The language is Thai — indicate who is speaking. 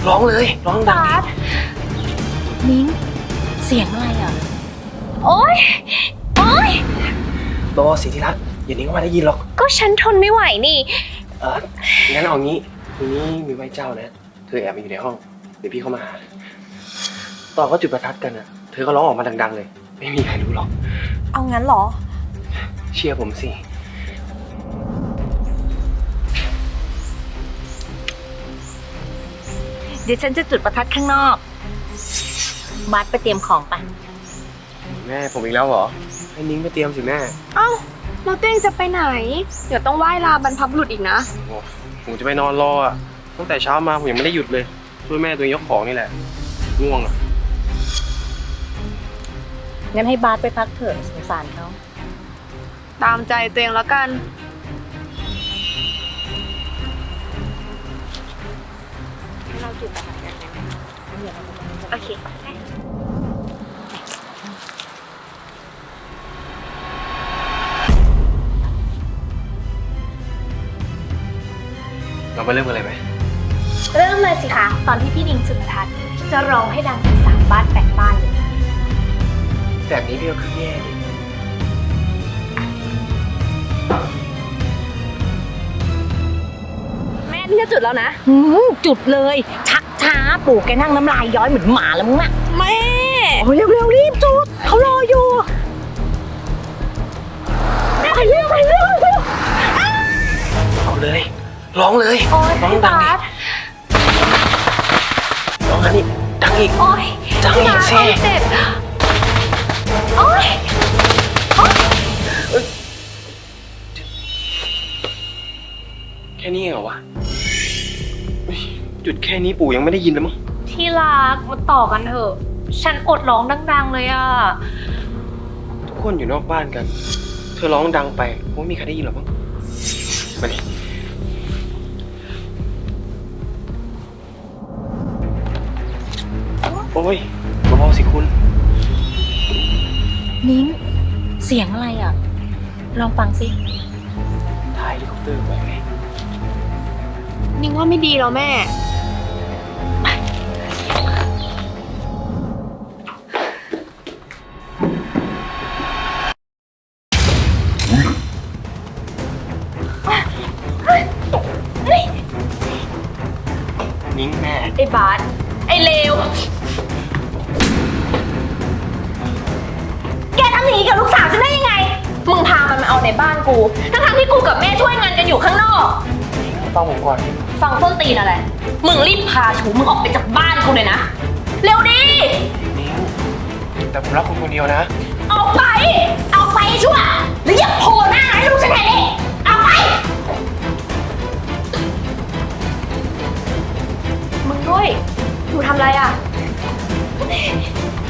Speaker 1: ร้องเลยร้องดัง
Speaker 2: นิ้งเสียงอะไรอ่ะโอ๊ยโอ๊ย
Speaker 1: บอสิที่รักอย่านิ้งว่าได้ยินหรอก
Speaker 2: ก็ฉันทนไม่ไหวนี่
Speaker 1: งั้นเอางี้ทีนี้มีไหว้เจ้านะเธอแอบมาอยู่ในห้องเดี๋ยวพี่เข้ามาหาตอนเขาจุดประทัดกันนะเธอก็ร้องออกมาดังๆเลยไม่มีใครรู้หรอก
Speaker 2: เอางั้นเหรอ
Speaker 1: เชื่อผมสิ
Speaker 2: เดี๋ยวฉันจะจุดประทัดข้างนอกบัสไปเตรียมของไป
Speaker 1: แม่ผมอีกแล้วเหรอให้นิ้งไปเตรียมสิแม่
Speaker 3: เอ้าเราเต้งจะไปไหนเดี๋ยวต้องไหว้ลาบรรพบุรุษอีกนะ
Speaker 1: โอ้ผมจะไปนอนรออ่ะตั้งแต่เช้ามาผมยังไม่ได้หยุดเลยช่วยแม่ตัวเองยกของนี่แหละง่วงอ่ะ
Speaker 2: งั้นให้บาสไปพักเถอะสงสารเขา
Speaker 3: ตามใจตัวเองแล้วกันเราจุดประทัดกันไหมโอเค
Speaker 1: เรามาเริ่มกันเลยไหม
Speaker 2: เริ่มเลยสิคะตอนที่พี่นิงจุดประทัดจะร้องให้ดังถึง3 บ้าน8 บ้านเลย
Speaker 1: แบบนี้พี่ก็คือแย่ดิ
Speaker 3: แม่พี่จะจุดแล้วนะ
Speaker 2: จุดเลยชักช้าปู่แกนั่งน้ำลายย้อยเหมือนหมาแล้วมึงอะ
Speaker 3: แม่
Speaker 2: โอ้ยเร็วๆรีบจุดเขารออยู่ไปเร็ว
Speaker 1: เอาเลยร้องเลยร้องดังดิร้องอันนี้ดังอีกดังอีกสิ
Speaker 2: เจ็บโอ๊ย
Speaker 1: แค่นี้เหรอวะจุดแค่นี้ปู่ยังไม่ได้ยินเลยมั้ง
Speaker 2: ที่รักมาต่อกันเถอะฉันอดร้องดังๆเลยอ่ะ
Speaker 1: ทุกคนอยู่นอกบ้านกันเธอร้องดังไปไม่มีใครได้ยินหรอกมั้งมาดิโอ้ยเบาๆสิคุณ
Speaker 2: นิ้งเสียงอะไรอ่ะลองฟังสิ
Speaker 1: ถ่ายเฮลิคอปเตอร์ไปไหม
Speaker 3: นิ่งว่าไม่ดีแล้วแม่
Speaker 1: นิ้งแม่
Speaker 2: ไอ้บาสไอ้เลวแกทำอย่างนี้กับลูกสาวฉันได้ยังไงมึงพามันมาเอาในบ้านกูทั้งที่กูกับแม่ช่วยงานกันอยู่ข้างนอก
Speaker 1: ฟังผมก่อน
Speaker 2: ฟังต้นตีนอะไรมึงรีบพาชูมึงออกไปจากบ้านกูเลยนะเร็วดิ
Speaker 1: นิ้งแต่ผมรักคุณคนเดียวนะ
Speaker 2: ออกไปชั่วหรืออย่าโผล่หน้าให้ลูกฉันเห็นดิเอาไป
Speaker 3: มึงด้วยอยู่ทำอะไรอ่ะ